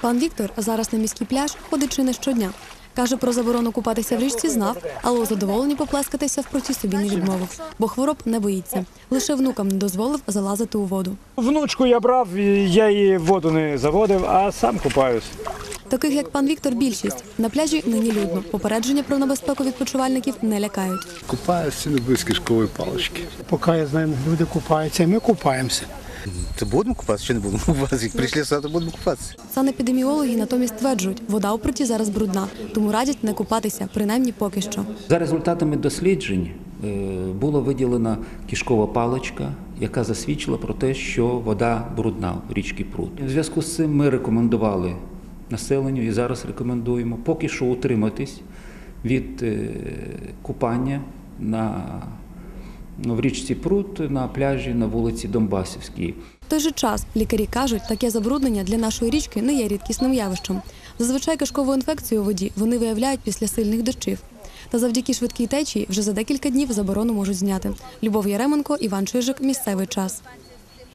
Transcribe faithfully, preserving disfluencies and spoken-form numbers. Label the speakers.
Speaker 1: Пан Віктор зараз на міський пляж ходить чи не щодня. Каже, про заборону купатися в річці знав, але у задоволенні поплескатися в проті собі не відмовив, бо хвороб не боїться. Лише внукам не дозволив залазити у воду.
Speaker 2: Внучку я брав, я її в воду не заводив, а сам купаюсь.
Speaker 1: Таких, як пан Віктор, більшість. На пляжі нині людно. Попередження про небезпеку відпочивальників не лякають.
Speaker 3: Купаюся без кишкової палички.
Speaker 4: Поки я знаю, люди купаються, і ми купаємося.
Speaker 5: Це будемо купатися чи не будемо купатися? Як прийшли сюди, то будемо купатися.
Speaker 1: Санепідеміологи натомість стверджують, вода у проті зараз брудна, тому радять не купатися, принаймні поки що.
Speaker 6: За результатами досліджень була виділена кишкова паличка, яка засвідчила про те, що вода брудна в річці Прут. У зв'язку з цим ми рекомендували населенню і зараз рекомендуємо поки що утриматись від купання на в річці Прут, на пляжі на вулиці Донбасівській.
Speaker 1: В той же час лікарі кажуть, таке забруднення для нашої річки не є рідкісним явищем. Зазвичай кишкову інфекцію у воді вони виявляють після сильних дощів. Та завдяки швидкій течії вже за декілька днів заборону можуть зняти. Любов Яременко, Іван Чижик, місцевий час.